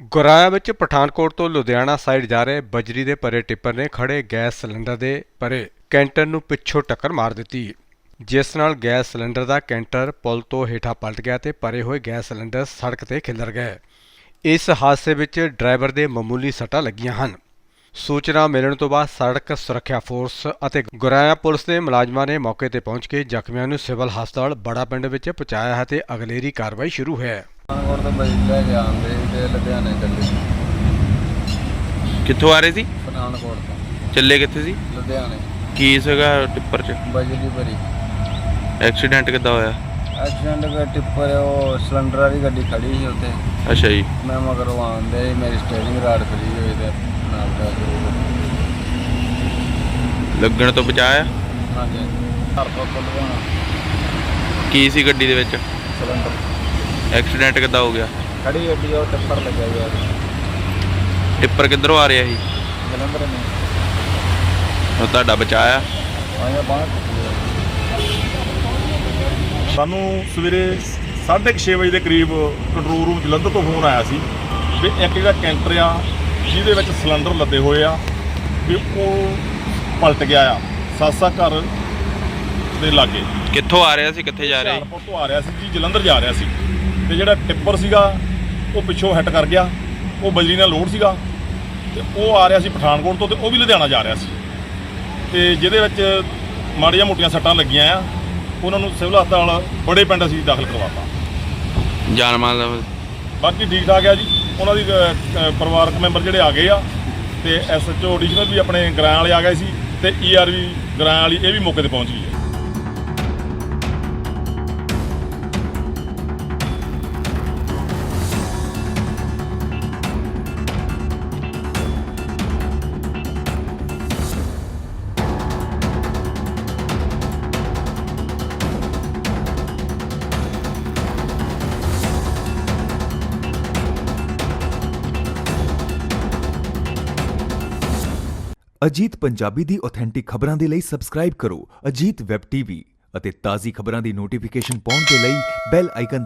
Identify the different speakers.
Speaker 1: ਗੁਰਾਇਆ ਵਿੱਚ ਪਠਾਨਕੋਟ ਤੋਂ ਲੁਧਿਆਣਾ ਸਾਈਡ ਜਾ ਰਹੇ ਬਜਰੀ ਦੇ ਭਰੇ ਟਿੱਪਰ ਨੇ ਖੜੇ ਗੈਸ ਸਿਲੰਡਰ ਦੇ ਭਰੇ ਕੈਂਟਰ ਨੂੰ ਪਿੱਛੋਂ ਟੱਕਰ ਮਾਰ ਦਿੱਤੀ, ਜਿਸ ਨਾਲ ਗੈਸ ਸਿਲੰਡਰ ਦਾ ਕੈਂਟਰ ਪੁਲ ਤੋਂ ਹੇਠਾਂ ਪਲਟ ਗਿਆ ਤੇ ਭਰੇ ਹੋਏ ਗੈਸ ਸਿਲੰਡਰ ਸੜਕ ਤੇ ਖਿਲਰ ਗਏ। ਇਸ ਹਾਦਸੇ ਵਿੱਚ ਡਰਾਈਵਰ ਦੇ ਮਾਮੂਲੀ ਸੱਟਾਂ ਲੱਗੀਆਂ ਹਨ। ਸੂਚਨਾ ਮਿਲਣ ਤੋਂ ਬਾਅਦ ਸੜਕ ਸੁਰੱਖਿਆ ਫੋਰਸ ਅਤੇ ਗੁਰਾਇਆ ਪੁਲਿਸ ਦੇ ਮੁਲਾਜ਼ਮਾਂ ਨੇ ਮੌਕੇ ਤੇ ਪਹੁੰਚ ਕੇ ਜ਼ਖਮੀਆਂ ਨੂੰ ਸਿਵਲ ਹਸਪਤਾਲ ਬੜਾ ਪਿੰਡ ਵਿੱਚ ਪਹੁੰਚਾਇਆ ਹੈ ਤੇ ਅਗਲੇਰੀ ਕਾਰਵਾਈ ਸ਼ੁਰੂ ਹੈ।
Speaker 2: ਪਠਾਨਕੋਟ ਤੋਂ ਬਜਰੀ ਲੈ ਕੇ ਆਉਂਦੇ ਤੇ ਲੁਧਿਆਣੇ ਚੱਲੇ।
Speaker 3: ਕਿੱਥੋਂ ਆ ਰਹੇ ਸੀ?
Speaker 2: ਪਠਾਨਕੋਟ ਤੋਂ
Speaker 3: ਚੱਲੇ ਕਿੱਥੇ ਸੀ?
Speaker 2: ਲੁਧਿਆਣੇ।
Speaker 3: ਕੀ ਸੀਗਾ ਟਿੱਪਰ 'ਚ?
Speaker 2: ਬਜਰੀ ਭਰੀ।
Speaker 3: ਐਕਸੀਡੈਂਟ ਕਿੱਦਾਂ ਹੋਇਆ?
Speaker 2: ਐਕਸੀਡੈਂਟ ਦਾ ਟਿੱਪਰ ਉਹ ਸਿਲੰਡਰ ਵਾਲੀ ਗੱਡੀ ਖੜੀ ਸੀ ਉੱਥੇ।
Speaker 3: ਅੱਛਾ ਜੀ।
Speaker 2: ਮੈਂ ਮਗਰੋਂ ਆਉਂਦੇ ਮੇਰੀ ਸਟੀਅਰਿੰਗ ਰਾਡ ਫਰੀ ਹੋਈ ਤੇ ਨਾਲ ਦਾ
Speaker 3: ਲੱਗਣ ਤੋਂ ਬਚਾਇਆ?
Speaker 2: ਹਾਂਜੀ। ਘਰ ਤੋਂ ਲੁਧਿਆਣਾ।
Speaker 3: ਕੀ ਸੀ ਗੱਡੀ ਦੇ ਵਿੱਚ?
Speaker 2: ਸਿਲੰਡਰ।
Speaker 3: ਐਕਸੀਡੈਂਟ ਕਿੱਦਾਂ ਹੋ ਗਿਆ?
Speaker 2: ਖੜੀ ਗੱਡੀ ਉਹ ਟਿੱਪਰ ਲੱਗਿਆ ਯਾਰ।
Speaker 3: ਟਿੱਪਰ ਕਿੱਧਰੋਂ ਆ ਰਿਹਾ ਸੀ?
Speaker 2: ਜਲੰਧਰ ਨੇ।
Speaker 3: ਉਹ ਤੁਹਾਡਾ ਬਚਾਇਆ?
Speaker 2: ਆਇਆ ਬਾਹਰ।
Speaker 4: ਸਾਨੂੰ ਸਵੇਰੇ 6:30 ਵਜੇ ਦੇ ਕਰੀਬ ਕੰਟਰੋਲ ਰੂਮ ਜਲੰਧਰ ਤੋਂ ਫੋਨ ਆਇਆ ਸੀ ਵੀ ਇੱਕ ਜਿਹੜਾ ਕੈਂਟਰ ਆ ਜਿਹਦੇ ਵਿੱਚ ਸਿਲੰਡਰ ਲੱਦੇ ਹੋਏ ਆ ਵੀ ਉਹ ਪਲਟ ਗਿਆ ਆ ਸਾਸਾ ਘਰ ਦੇ ਲਾਗੇ।
Speaker 3: ਕਿੱਥੋਂ ਆ ਰਿਹਾ ਸੀ, ਕਿੱਥੇ ਜਾ ਰਿਹਾ ਸੀ?
Speaker 4: ਹੁਸ਼ਿਆਰਪੁਰ ਤੋਂ ਆ ਰਿਹਾ ਸੀ ਜੀ, ਜਲੰਧਰ ਜਾ ਰਿਹਾ ਸੀ ਤੇ ਜਿਹੜਾ ਟਿੱਪਰ ਸੀਗਾ ਉਹ ਪਿੱਛੋਂ ਹਿੱਟ ਕਰ ਗਿਆ। ਉਹ ਬਜਰੀ ਨਾਲ ਲੋਡ ਸੀਗਾ ਤੇ ਉਹ ਆ ਰਿਹਾ ਸੀ ਪਠਾਨਕੋਟ ਤੋਂ ਤੇ ਉਹ ਵੀ ਲੁਧਿਆਣਾ ਜਾ ਰਿਹਾ ਸੀ ਤੇ ਜਿਹਦੇ ਵਿੱਚ ਮਾੜੀਆਂ ਮੋਟੀਆਂ ਸੱਟਾਂ ਲੱਗੀਆਂ ਆ। ਉਹਨਾਂ ਨੂੰ ਸਿਵਲ ਹਸਪਤਾਲ ਬੜੇ ਪਿੰਡ ਅਸੀਂ ਦਾਖਲ ਕਰਵਾਤਾ।
Speaker 3: ਜਾਨ ਮਾਲ ਦਾ
Speaker 4: ਬਾਕੀ ਠੀਕ ਠਾਕ ਆ ਜੀ। ਉਹਨਾਂ ਦੀ ਪਰਿਵਾਰਕ ਮੈਂਬਰ ਜਿਹੜੇ ਆ ਗਏ ਆ ਤੇ ਐਸਐਚਓ ਐਡੀਸ਼ਨਲ ਵੀ ਆਪਣੇ ਗਰਾਂ ਵਾਲੇ ਆ ਗਏ ਸੀ ਤੇ ਈਆਰਵੀ ਗਰਾਂ ਵਾਲੀ ਇਹ ਵੀ ਮੌਕੇ ਤੇ ਪਹੁੰਚ ਗਈ ਹੈ।
Speaker 5: ਅਜੀਤ ਪੰਜਾਬੀ ਦੀ ਆਥੈਂਟਿਕ ਖਬਰਾਂ ਦੇ ਲਈ ਸਬਸਕ੍ਰਾਈਬ ਕਰੋ ਅਜੀਤ ਵੈਬ ਟੀਵੀ ਅਤੇ ਤਾਜ਼ੀ ਖਬਰਾਂ ਦੀ ਨੋਟੀਫਿਕੇਸ਼ਨ ਪਾਉਣ ਦੇ ਲਈ ਬੈਲ ਆਈਕਨ